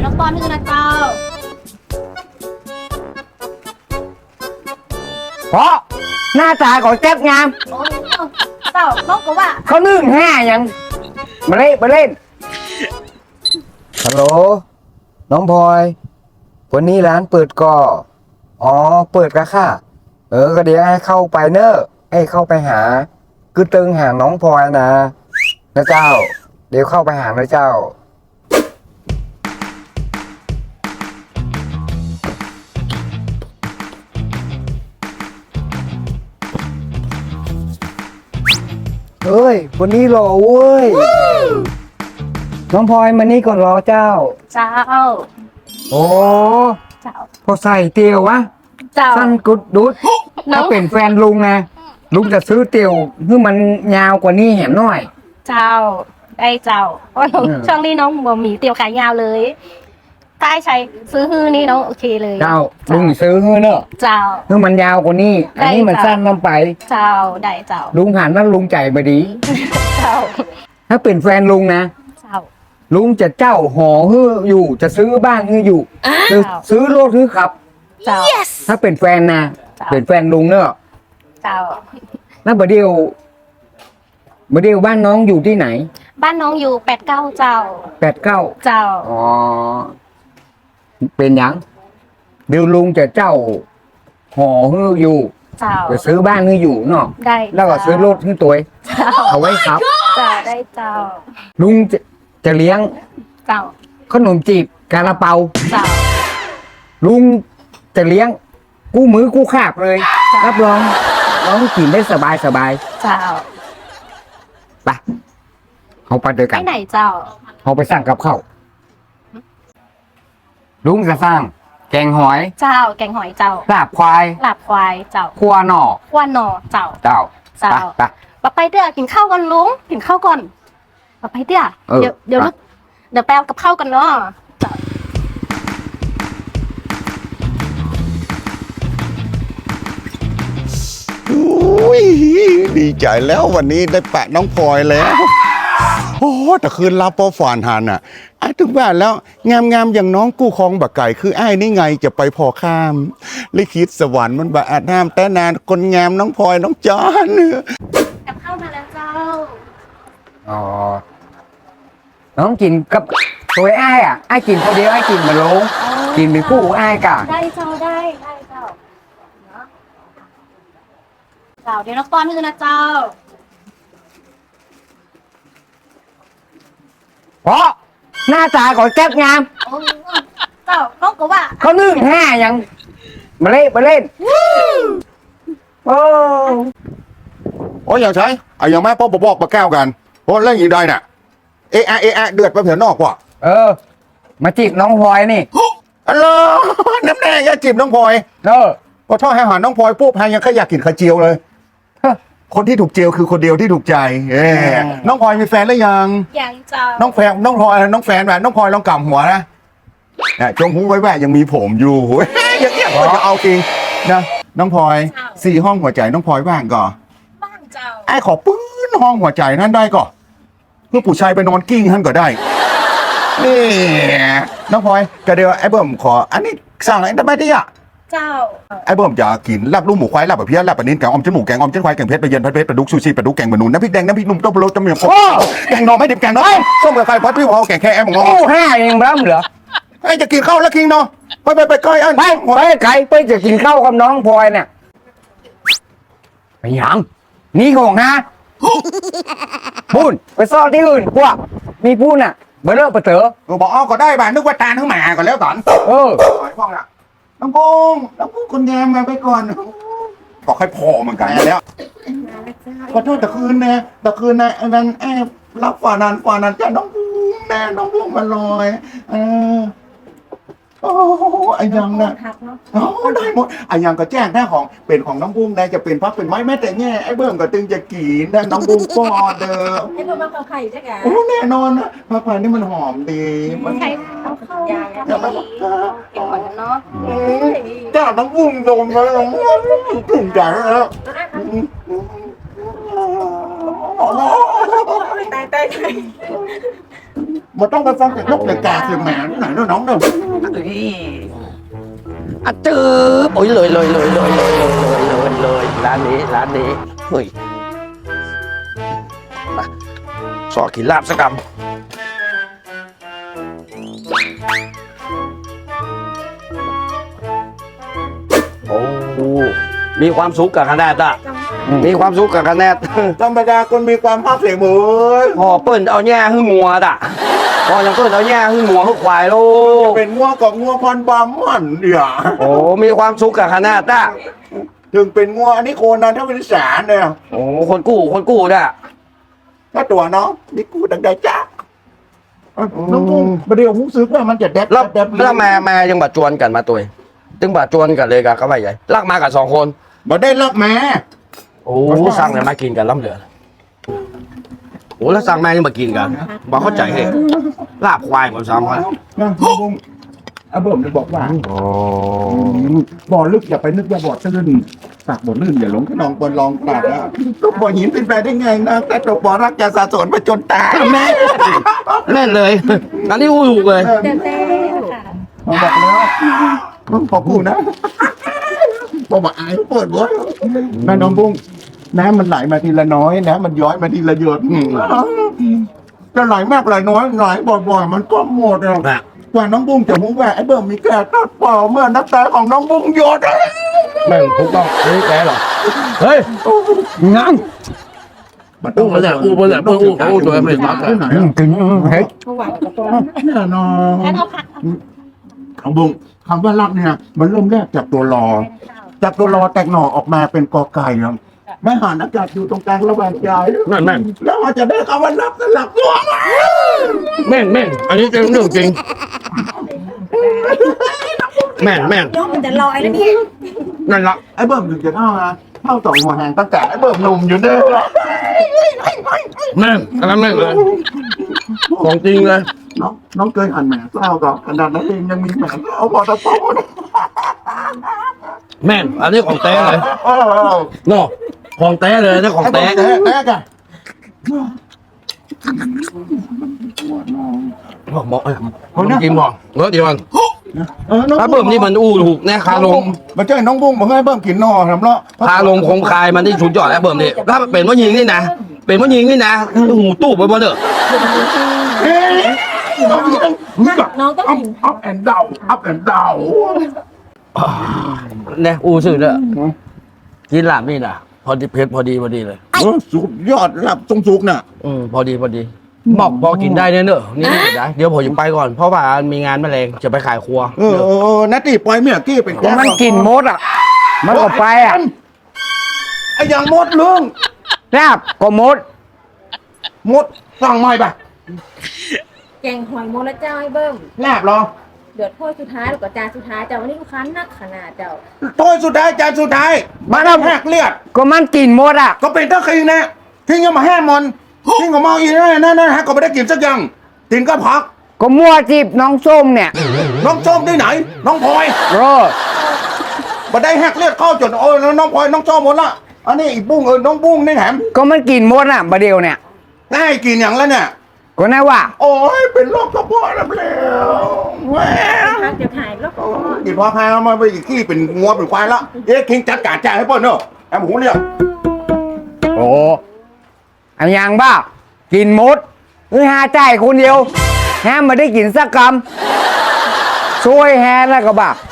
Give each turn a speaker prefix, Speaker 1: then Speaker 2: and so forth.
Speaker 1: น้องปอนนี่นะเจ้า
Speaker 2: เพราะหน้าตาของแจ๊บงาม
Speaker 1: โอ้เจ้าน้องก็ว่า
Speaker 2: เขานึ่งห้ายังมาเล่นมาเล่นฮัลโหลน้องพลอยวันนี้ร้านเปิดก่ออ๋อเปิดกะค่ะก็เดี๋ยวให้เข้าไปเนอะให้เข้าไปหาคือตึงหาน้องพลอยนะเจ้าเดี๋ยวเข้าไปหานะเจ้าเฮ้ยวันนี้รอเว้ยน้องพลอยมานี่ก่อนรอเจ้า
Speaker 1: เจ้า
Speaker 2: โอ้
Speaker 1: เจ้า
Speaker 2: พอใส่เตียววะ
Speaker 1: เจ้า
Speaker 2: สั้นกุดดุดถ้าเป็นแฟนลุงนะลุงจะซื้อเตียวเพื่อมันยาวกว่านี้แหมหน่อย
Speaker 1: เจ้าได้เจ้าเพราะช่วงนี้น้องบ่มีเตียวขายยาวเลยถ้าใช้ซื้อฮื้อนี่น้องโอเคเลย
Speaker 2: เจ้าลุงซื้อฮื้อเนอะ
Speaker 1: เจ้า
Speaker 2: เพื่อมันยาวกว่านี้อันนี้มันสั้นลงไป
Speaker 1: เจ้าได้เจ้า
Speaker 2: ลุงผ่านนั่นลุงใจไปดี
Speaker 1: เจ้า
Speaker 2: ถ้าเป็นแฟนลุงนะ
Speaker 1: เจ้า
Speaker 2: ลุงจะเจ้าห่อฮื้ออยู่จะซื้อบ้านฮื้ออยู่จะซื้อรถฮื้อขับ
Speaker 1: เจ้า
Speaker 2: ถ้าเป็นแฟนนะเป็นแฟนลุงเนอะ
Speaker 1: เจ้า
Speaker 2: แล้วบดเดียวบ้านน้องอยู่ที่ไหน
Speaker 1: บ้านน้องอยู่89เจ้า
Speaker 2: 89เ
Speaker 1: จ้า
Speaker 2: อ๋อเป็นยังเดี๋ยวลุงจะเจ้าห่อฮื้ออยู่
Speaker 1: เจ้า
Speaker 2: จะซื้อบ้านฮื้ออยู่เนาะ
Speaker 1: ได้
Speaker 2: แล้วก็ซื้อรถฮื้อตัวเอาไว้ครับ
Speaker 1: เจ้าได้เจ้า
Speaker 2: ลุงจะเลี้ยง
Speaker 1: เจ้า
Speaker 2: ขนมจีบกาลาเปา
Speaker 1: เจ้า
Speaker 2: ลุงจะเลี้ยงกู้มือกู้ขาบเลยรับรองน้องกินได้สบายเ
Speaker 1: จ้า
Speaker 2: ไปเอาไปด้วยกัน
Speaker 1: ไปไหนเจ้า
Speaker 2: เอาไปสั่งกับข้าวลุงจะสร้างแกงหอย
Speaker 1: เจ้าแกงหอยเจ้า
Speaker 2: ลาบควาย
Speaker 1: ลาบควายเจ้า
Speaker 2: คั่วหน่อ
Speaker 1: เจ้าไปเดี๋ยวกินข้าวก่อนลุงกินข้าวก่อนไปเดี๋ยวแปลกับข้าวกันเนาะ
Speaker 3: อุ้ยดีใจแล้ววันนี้ได้แปะน้องพลอยแล้วโอ้แต่คืนรับพอฝานหันอ่ะไอ้ถึงบ้านแล้วงามอย่างน้องกู้คลองบักไก่คือไอ้นี่ไงจะไปพอข้ามลิขิตสวรรค์มันบะอาจน้ำแต่นานคนงามน้องพลอยน้องจอน
Speaker 1: กับข้าวมาแล้วเจ้า
Speaker 2: อ๋อน้องกินกับตัวไอ้อ่ะไอ้กินคนเดียวไอ้กินมาลงกินเป็นคู่ไอ้กะ
Speaker 1: ได้เจ้าได้เจ้าเดี๋ยวน้องป้อนให้ดูนะเจ้า
Speaker 2: เพราะหน้าตาของแจ๊บงาม
Speaker 1: เจ้าน้องก็ว่า
Speaker 2: เขานึ่งห้ายังมาเล่นโ
Speaker 3: อ้ยอย่างใช่อย่างแม่พ่อบอกมาแก้วกันโอ้เล่นอย่างใดน่ะเอะเดือดไปเผื่อนอกว่ะ
Speaker 2: มาจีบน้องพลอยนี่
Speaker 3: อัลโหลน้ำแดงอย่าจีบน้องพลอยพอทอดให้อาหารน้องพลอยปุ๊บให้ยังขยักกินไข่เจียวเลยคนที่ถูกเจียวคือคนเดียวที่ถูกใจน้องพลอยมีแฟนหรือยัง
Speaker 1: เจ้า
Speaker 3: น้องแฟนน้องพลอยน้องแฟนแบบน้องพลอยลองกำหัวนะจงหูไว้แวะยังมีผมอยู่อย่างเงี้ยก็จะเอาจริงนะน้องพลอย4 ห้องหัวใจน้องพลอยว่างก่อน
Speaker 1: ว่างเจ้า
Speaker 3: ไอ้ขอปื้นห้องหัวใจนั่นได้ก่อนเพื่อผู้ชายไปนอนกิ้งท่านก็ได้นี่น้องพลอยกระเดียวไอ้เบิ่มขออันนี้สั่งอะไรได้ไหมที่อ่ะ
Speaker 1: เจ้า
Speaker 3: ไอ้เบิ่มจะกินลาบลูกหมูควายลาบแบบเพี้ยลาบแบบนี้แกงออมจมูกแกงออมเจ้นควายแกงเพชรไปเย็นพัดเพชรปลาดุกซูชิปลาดุกแกงบะนุนน้ำพริกแดงน้ำพริกนุ่มต้มโรสจำเนียงแกงนอไม่ดิบแกงน้อยส้มกับไข่พัดพี่พอแกงแค่แอมงอ
Speaker 2: ห้าเองบ้าเหรอ
Speaker 3: ไอ้จะกินข้าวแล้วคิงเนาะไปใกล้อัน
Speaker 2: ไปไก่ไปจะกินข้าวกับน้องพลอยเนี่ยไปยังนี่ของนะพูนไปซ่อนที่อื่นพวกมีพูนอ่ะเบอร์เลิกเต๋อ
Speaker 3: บอกก็ได้บ้านนึกว่าตาทั้งหมาก่อนแล้วก่อนพ่องละน้องพุงคนแยมไปก่อนบอกให้พอเหมือนกันแล้วขอโทษแต่คืนนะนั้นรับฝ่านั้นจะน้องพุงแน่น้องพุงมาลอยโอ้ไอ้ยังนะได้หมดไอ้ยังก็แจ้งแน่ของเป็นของน้องบุ้งได้จะเป็นพักเป็นไม้แม้แต่แง่ไอ้เบิ่มก็ตึงจะกีนได้น้องบุ้งก็เด้อ
Speaker 1: ไอ้เบิ่มมาไข่ใช่ไหม
Speaker 3: โอ้แน่นอนนะผักไผ่นี่มันหอมดี
Speaker 1: มันไข่เอาเข้ายาเก็บก่อนเนาะ
Speaker 3: จ้าน้องบุ้งโดนมาแล้วถึงใจแล้ว
Speaker 1: ตาย
Speaker 3: มันต้องไปฟังจากนกแต่กาเสียงแหมไหนเนาะน้องเนาะ
Speaker 4: อ่ะจื้อโอ้ยเลยร้านนี้เฮ้ยมาสอกินลาบสักคำโอ้มีความสุขกับคณะอ่ะมีความสุขกับคณะ
Speaker 3: ธรรมดาคนมีความภาคเสียงเหมือน
Speaker 4: พอเปิ้นเอาแย่หึ่งงัวอ่ะพอยังเปิ้นเอาแย่หึ่งงัวหึ่งควายโลก
Speaker 3: เป็นงัวกับงัวพันธุ์บามันเนี่ย
Speaker 4: โอ้มีความสุขกับคณะอ่ะ
Speaker 3: ถึงเป็นงัวอันนี้โคนันถ้าเป็นสารเนี่ย
Speaker 4: โอ้คนกู้อ่ะ
Speaker 3: ถ้าตัวน้องนี่กูดังได้จ้าน้องกุ้งประเดี๋ยวผมซื้อว่ามันจะแดด
Speaker 4: แล้วแม่ยังบาดจวนกันมาตัวตึงบาดจวนกันเลยกับเขาไปใหญ่ลากมากับ2 คน
Speaker 3: มาได้รับแม่
Speaker 4: โอ้สั่งเลยมากินกันล้ำเหลือโอ้แล้วสั่งแม่ยังมากินกันบอกเข้าใจเหตุลาบควายหมด3 คน
Speaker 3: นะน้องกุ้งอาเบิ่มจะบอกว่า
Speaker 4: โอ้
Speaker 3: บ่อลึกอย่าไปนึกว่าบ่อตื้นตักบ่อลื่นอย่าหลงขนองบนลองตักนะก็บ่อหินเป็นไปได้ไงนะแต่ตกบ่อรักจะสะสมไปจนตาย
Speaker 4: แม่นเลยอันนี้อู้ถูกเลย
Speaker 1: เต้ค่ะ
Speaker 3: บอกแล้วขอกูนะบอกว่าอายเปิดเว้ยแม่น้องบุ้งน้ำมันไหลมาทีละน้อยนะมันย้อยมาทีละหยดจะไหลมากไหลน้อยไหลบ่อยๆมันก็หมดอ่ะกว่าน้องบุ้งจะรู้ว่าไอ้เบิ่มมีแก่ตัดเปล่าเมื่อน้ำตาของน้องบุ้งหยด
Speaker 4: แม่งถูกต้องนี่แกเหรอเฮ้ยงั้นอู้มาแล้วอู้ตัวไม่ตัด
Speaker 3: ที่ไหนกินเฮ้ยแน่นอน
Speaker 1: งั้นเอาผัก
Speaker 3: น้องบุ้งคำว่ารักเนี่ยมันเริ่มแรกจากตัวรอ จากตัวรอแตกหน่อออกมาเป็นกอไก่ครับแม่หานอากาศอยู่ตรงกลางระหว่างใจ
Speaker 4: แม่ง
Speaker 3: แล้วอาจจะได้คำว่ารักสลับตัวมา
Speaker 4: แม่งอันนี้เรื่องจริงแม่ง
Speaker 1: น้องมันจะลอยแล้วเนี่ย
Speaker 4: นั่นละ
Speaker 3: ไอ้เบิ่มถึงจะเท่าสองหัวแหงตั้งแต่ไอ้เบิ่มหนุ่มอยู่เด้อ
Speaker 4: แม่งอันนั้นแม่งเลยของจริงเลย
Speaker 3: น้องเคยอ่านแหม่เศร้าก่อนขนาดนั้นเองยังมีแหม่เศร้าพอตะโพน
Speaker 4: แม่งอันนี้ของแท้เลยเนาะของแท้เลยนี่ของแท้
Speaker 3: แท้กัน
Speaker 4: บอกจริงบอกเดี๋ยวก่อน
Speaker 3: น้อง
Speaker 4: ถ้าเบิ่มนี่มันอู้ถูกแน่คาลง
Speaker 3: มันเจ้าน้องบุ้งบอกให้เบิ่มกินนอทำแล้ว
Speaker 4: คาลงคงคายมันที่สุดยอดแล้วเบิ่มนี่ถ้าเป็นว่ายิงนี่นะเป็นว่ายิงนี่นะหูตู้ไปหมดเด้อ
Speaker 1: น้องต้องกิน
Speaker 3: อัพแอนด์ดาวอัพแอนด์ดาว
Speaker 4: เนี่ยอู้สื่อเด้อกินลาบนี่นะพอดีเผ็ดพอดีเลย
Speaker 3: สุดยอดหลับทรงสุกน่ะ
Speaker 4: พอดีบอกพอกินได้เนี่ยเนอะนี่กินได้เดี๋ยวผมจะไปก่อนเพราะว่ามีงานแมลงจะไปขายครัว
Speaker 3: นัตตี้ปล่อยเมียกี้เป็น
Speaker 2: ก็มันกินมดอ่ะ มันก็ไปอ่ะ
Speaker 3: ไอ้ยังมดลุง
Speaker 2: ลาบก็มด
Speaker 3: มดสั่งใหม่ป่ะ
Speaker 5: แกงหอยโมละเจ้าไอ้เบิ้ม
Speaker 3: แลบเหรอ
Speaker 5: เดือดถ้วยสุดท้ายหรือก็จานสุดท้ายเจ้าวันนี้ลูกค้านักขนาดเจ้า
Speaker 3: โต้ยสุดท้ายจานสุดท้ายมาแล้วแหกเลือด
Speaker 2: ก็มันกินมดอ่ะ
Speaker 3: ก็เป็นตะคิงนะทิ้งยังมาแห้มันทิ้งก็เมาอีกนั่นฮะก็ไม่ได้กินสักอย่างกินก็พัก
Speaker 2: ก็มั่วจีบน้องส้มเนี่ย
Speaker 3: น้องส้มที่ไหน น้องพลอย
Speaker 2: โรด
Speaker 3: มาได้แหกเลือดเข้าจนโอ้ยน้องพลอยน้องส้มหมดละอันนี้อีกบุ้งน้องบุ้งนี่แถม
Speaker 2: ก็มันกินมดอ่ะบะเดียวเนี่ย
Speaker 3: ได้กินอย่างแล้วเนี่ย
Speaker 2: ก็น่าว่า
Speaker 3: โอ้ยเป็นโรคกระเพาะแล้วแหว
Speaker 5: พักเดี๋ยวถ่ายแล้วก็
Speaker 3: กินพอพามาไปอีกที่เป็นงัวเป็นควายละคิงจัดการจ่ายให้เปิ้ลเนอะแอมหูเรียก
Speaker 2: โอ้อันยังบ้า กินมดหาใจายคนเดียวแฮมมาได้กินสักคำช่วยแฮแล้วก็บ้า